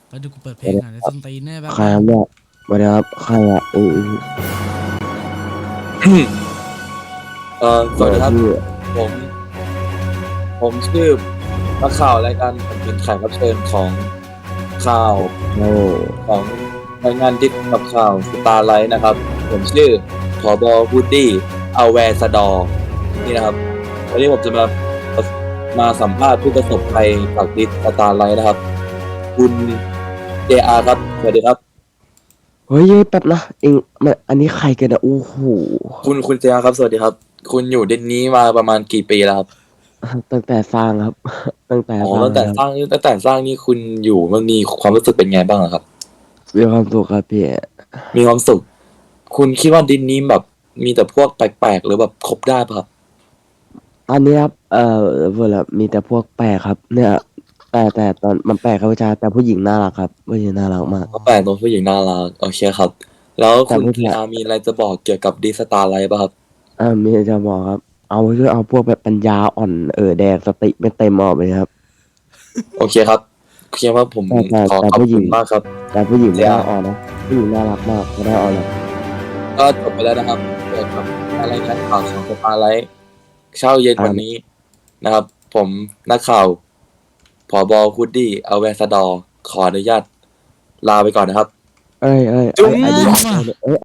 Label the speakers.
Speaker 1: ก็ดูกูเปิดเพลงอ่ะในส้นตีนแน่แบบ
Speaker 2: ใครครับเนี่ยสวัสดีครับใครอ่ะ
Speaker 3: สวัสดีครับ
Speaker 2: พี่
Speaker 3: ผมผมชื่อนักข่าวรายการผมเป็นแขกรับเชิญของข่าว
Speaker 2: โอ้
Speaker 3: ของรายงานดิสกับข่าวสตาร์ไลท์นะครับ ผมชื่อผบวูดดี้อแวร์สดอนี่นะครับวันนี้ผมจะมาสัมภาษณ์ผู้ประสบภัยจากดิสสตาร์ไลท์นะครับ คุณเจอาครับสวัสดีครับ
Speaker 2: เฮ้ยแป๊บนะเองมันอันนี้ใครกันนะโอ้โห
Speaker 3: คุณเจอาครับสวัสดีครับ คุณอยู่ดินนี้มาประมาณกี่ปีแล้วครับ
Speaker 2: ตั้งแต่สร้างครับ ตั้งแต่
Speaker 3: อ๋อ
Speaker 2: สร้าง
Speaker 3: ตั้งแต่
Speaker 2: ครับ
Speaker 3: สร้างนี่คุณอยู่มันมีความรู้สึกเป็นไงบ้างอะครับ
Speaker 2: มีความสุขครับพี่
Speaker 3: มีความสุข คุณคิดว่าดินนี้แบบมีแต่พวกแปลกๆหรือแบบคบได้ปะครับ
Speaker 2: ตอนนี้ครับเวลามีแต่พวกแปลกครับ เนี่ยแต่ตอนมันแปลกครับวิชาแต่ผู้หญิงน่ารักครับผู้หญิงน่ารักมาก
Speaker 3: ก็แปลกตรงผู้หญิงน่ารักโอเคครับ แล้ว
Speaker 2: แต่
Speaker 3: คุณ
Speaker 2: ผู้
Speaker 3: พี
Speaker 2: ชาย
Speaker 3: อามีอะไรจะบอกเกี่ยวกับดีสตาร์ไลท์ป่ะครับ
Speaker 2: มีจะบอกครับ เอาช่วยเอาพวกแบบปัญญาอ่อนแดกสติไม่เต็มออกเลยครับ
Speaker 3: โอเคครับคิดว่าผม
Speaker 2: แต่
Speaker 3: ขอบ
Speaker 2: ผู้หญิ
Speaker 3: คุ
Speaker 2: ง
Speaker 3: ณมากครับ
Speaker 2: แต่ผู้หญิงไม่ได้
Speaker 3: JR
Speaker 2: อ่อนนะผู้หญิงน่ารักมากไม่ได้อ่อนเลย
Speaker 3: ก็จบไปแล้วนะครับเกี่ยวกับรายงานข่าวของสตาร์ไลท์เช้าเย็นวันนี้นะครับ ผมนักข่าวผบฮูดดี้อแวร์สดอขออนุญาตลาไปก่อนนะครับ
Speaker 2: เอ้ย
Speaker 3: จุ๊ง
Speaker 2: อันนี้